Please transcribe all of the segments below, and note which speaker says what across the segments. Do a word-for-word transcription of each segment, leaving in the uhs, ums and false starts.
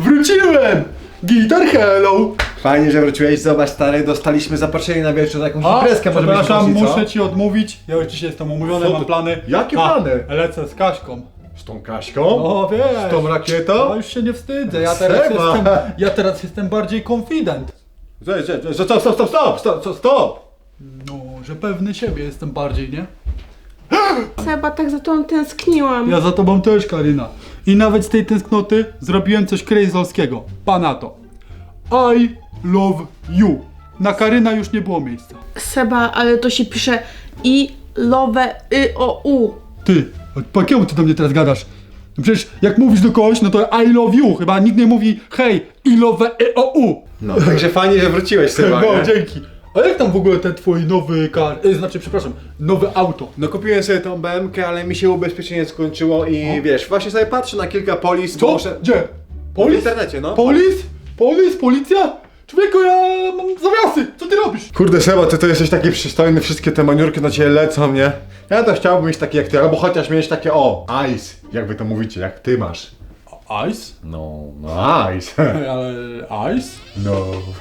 Speaker 1: Wróciłem! Gitar hello!
Speaker 2: Fajnie, że wróciłeś. Zobacz, stary, dostaliśmy zaproszenie na wieczór na jakąś
Speaker 1: A,
Speaker 2: imprezkę. Może byśmy
Speaker 1: przepraszam,
Speaker 2: poszli, co?
Speaker 1: muszę ci odmówić. Ja już dzisiaj jestem umówiony,
Speaker 2: Co
Speaker 1: mam
Speaker 2: ty-
Speaker 1: plany.
Speaker 2: Jakie
Speaker 1: A,
Speaker 2: plany?
Speaker 1: Lecę z Kaśką.
Speaker 2: Z tą Kaśką?
Speaker 1: O, wiesz.
Speaker 2: Z tą rakietą?
Speaker 1: No już się nie wstydzę, ja teraz
Speaker 2: Seba.
Speaker 1: jestem, ja teraz jestem bardziej confident.
Speaker 2: Stop, stop, stop, stop, stop, stop, stop!
Speaker 1: No, że pewny siebie jestem bardziej, nie?
Speaker 3: Seba, tak za tą tęskniłam.
Speaker 1: Ja za tobą też, Karina. I nawet z tej tęsknoty zrobiłem coś crazolskiego. Pana to. I love you. Na Karyna już nie było miejsca.
Speaker 3: Seba, ale to się pisze i love y o u.
Speaker 1: Ty, po jakiemu ty do mnie teraz gadasz? No przecież jak mówisz do kogoś, no to I love you. Chyba nikt nie mówi hej, I love y o u.
Speaker 2: No, także fajnie, że wróciłeś, Seba,
Speaker 1: No,
Speaker 2: nie?
Speaker 1: dzięki. A jak tam w ogóle ten twój nowy kar... Y, znaczy, przepraszam, nowe auto?
Speaker 2: No kupiłem sobie tą B M K, ale mi się ubezpieczenie skończyło i
Speaker 1: No.
Speaker 2: wiesz, właśnie sobie patrzę na kilka polis,
Speaker 1: Co?
Speaker 2: bo muszę-
Speaker 1: Gdzie?
Speaker 2: w
Speaker 1: Polis?
Speaker 2: internecie, no.
Speaker 1: Polis? Polis? Policja? Człowieku, ja mam zawiasy! Co ty robisz?
Speaker 2: Kurde, Seba, ty to jesteś taki przystojny, wszystkie te maniurki na ciebie lecą, nie? Ja to chciałbym mieć takie jak ty, albo chociaż mieć takie, o, ice, jak wy to mówicie, jak ty masz.
Speaker 1: Ice?
Speaker 2: No, no ice.
Speaker 1: Ej, ale ice?
Speaker 2: No,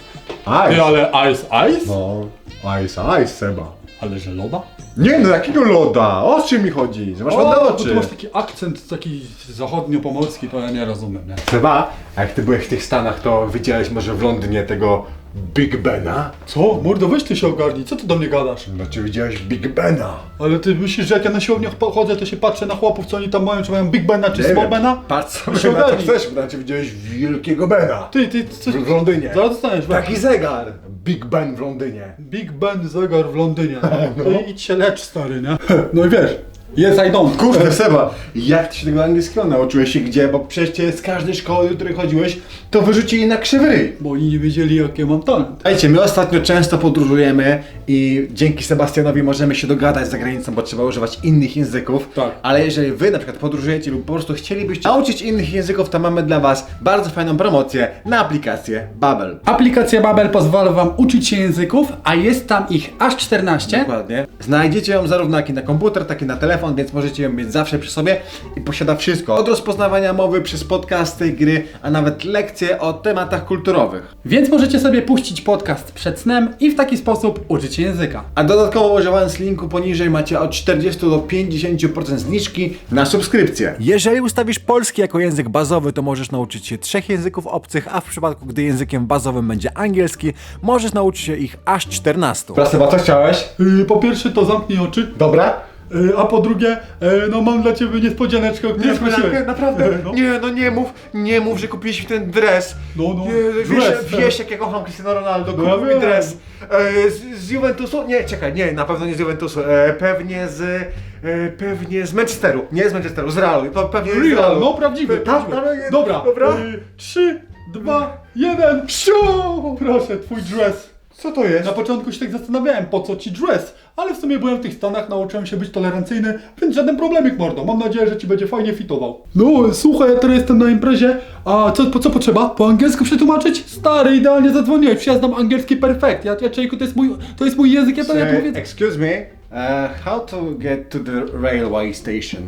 Speaker 1: Ty,
Speaker 2: ice.
Speaker 1: ale ice, ice?
Speaker 2: No, ice, ice, Seba.
Speaker 1: Ale że loda?
Speaker 2: Nie no, jakiego loda? O czym mi chodzi? Że masz
Speaker 1: O,
Speaker 2: ładne
Speaker 1: bo
Speaker 2: oczy.
Speaker 1: tu masz taki akcent taki zachodnio-pomorski, to ja nie rozumiem, nie?
Speaker 2: Seba, a jak ty byłeś w tych Stanach, to widziałeś może w Londynie tego Big Bena?
Speaker 1: Co? Mordo, weź ty się ogarnij, co ty do mnie gadasz?
Speaker 2: Znaczy widziałeś Big Bena?
Speaker 1: Ale ty myślisz, że jak ja na siłowniach chodzę, to się patrzę na chłopów, co oni tam mają, czy mają Big Bena, czy
Speaker 2: Nie
Speaker 1: Small
Speaker 2: wiem.
Speaker 1: Bena?
Speaker 2: Patrz
Speaker 1: się
Speaker 2: sobie na to
Speaker 1: ogarnij.
Speaker 2: chcesz, bo znaczy widziałeś wielkiego Bena.
Speaker 1: Ty, ty, coś...
Speaker 2: W Londynie.
Speaker 1: Zaraz dostaniesz, weź.
Speaker 2: Taki zegar. Big Ben w Londynie.
Speaker 1: Big Ben zegar w Londynie.
Speaker 2: No.
Speaker 1: No. Idź się lecz, stary, nie? No i wiesz, yes I don't.
Speaker 2: Kurde Seba, jak ty się tego angielskiego nauczyłeś się gdzie? Bo przecież cię z każdej szkoły, do której chodziłeś, to wyrzucili na krzywy ryj.
Speaker 1: Bo oni nie wiedzieli, jaki mam talent.
Speaker 2: Słuchajcie, my ostatnio często podróżujemy i dzięki Sebastianowi możemy się dogadać za granicą, bo trzeba używać innych języków.
Speaker 1: Tak.
Speaker 2: Ale jeżeli wy na przykład podróżujecie lub po prostu chcielibyście nauczyć innych języków, to mamy dla was bardzo fajną promocję na aplikację Babbel.
Speaker 1: Aplikacja Babbel pozwala wam uczyć się języków, a jest tam ich aż czternaście.
Speaker 2: Dokładnie. Znajdziecie ją zarówno jak i na komputer, tak i na telefon, więc możecie ją mieć zawsze przy sobie i posiada wszystko. Od rozpoznawania mowy przez podcasty, gry, a nawet lekcje o tematach kulturowych.
Speaker 1: Więc możecie sobie puścić podcast przed snem i w taki sposób uczyć się języka.
Speaker 2: A dodatkowo używając linku poniżej macie od czterdzieści do pięćdziesięciu procent zniżki na subskrypcję. Jeżeli ustawisz polski jako język bazowy, to możesz nauczyć się trzech języków obcych, a w przypadku gdy językiem bazowym będzie angielski, możesz nauczyć się ich aż czternastu. Praseba, co chciałeś?
Speaker 1: Yy, po pierwsze to zamknij oczy,
Speaker 2: Dobra?
Speaker 1: yy, a po drugie, yy, no mam dla ciebie niespodzianeczkę, o której prosiłeś.
Speaker 2: naprawdę?
Speaker 1: No.
Speaker 2: Nie, no nie mów, nie mów, że kupiliśmy ten dres.
Speaker 1: No, no,
Speaker 2: Nie, wiesz,
Speaker 1: dres.
Speaker 2: wiesz jak ja kocham Cristiano Ronaldo,
Speaker 1: No ja
Speaker 2: kupił mi
Speaker 1: wiem.
Speaker 2: dres. E, z, z Juventusu? Nie, czekaj, nie, na pewno nie z Juventusu, e, pewnie z, e, pewnie z Manchesteru, nie z Manchesteru, z Realu, to pewnie z
Speaker 1: Real,
Speaker 2: Realu.
Speaker 1: no prawdziwy,
Speaker 2: Tam,
Speaker 1: prawdziwy.
Speaker 2: tam, jest-
Speaker 1: Dobra,
Speaker 2: dobra.
Speaker 1: Yy, trzy, dwa, jeden, psiu! Proszę, twój dress.
Speaker 2: Co to jest?
Speaker 1: Na początku się tak zastanawiałem, po co ci dress, ale w sumie byłem w tych Stanach, nauczyłem się być tolerancyjny, więc żaden problemik, mordo. Mam nadzieję, że ci będzie fajnie fitował. No, słuchaj, ja teraz jestem na imprezie, a co, po co potrzeba? Po angielsku przetłumaczyć? Stary, idealnie zadzwoniłeś, przecież ja znam angielski perfekt. Ja, ja człowieku, to jest mój, to jest mój język, ja to ja to mówię.
Speaker 2: Excuse me, uh, how to get to the railway station?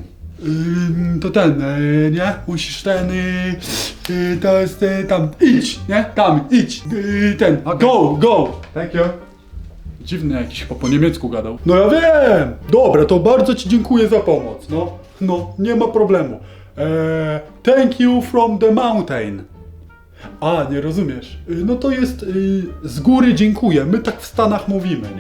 Speaker 1: Ym, to ten, y, nie? Musisz ten, y, y, to jest y, tam, idź, nie? Tam, idź, y, ten, go, go.
Speaker 2: Thank you.
Speaker 1: Dziwny jakiś, chyba po niemiecku gadał. No ja wiem! Dobra, to bardzo ci dziękuję za pomoc, no. No, nie ma problemu. Eee, thank you from the mountain. A, nie rozumiesz. Y, No to jest y, z góry dziękuję. My tak w Stanach mówimy, nie?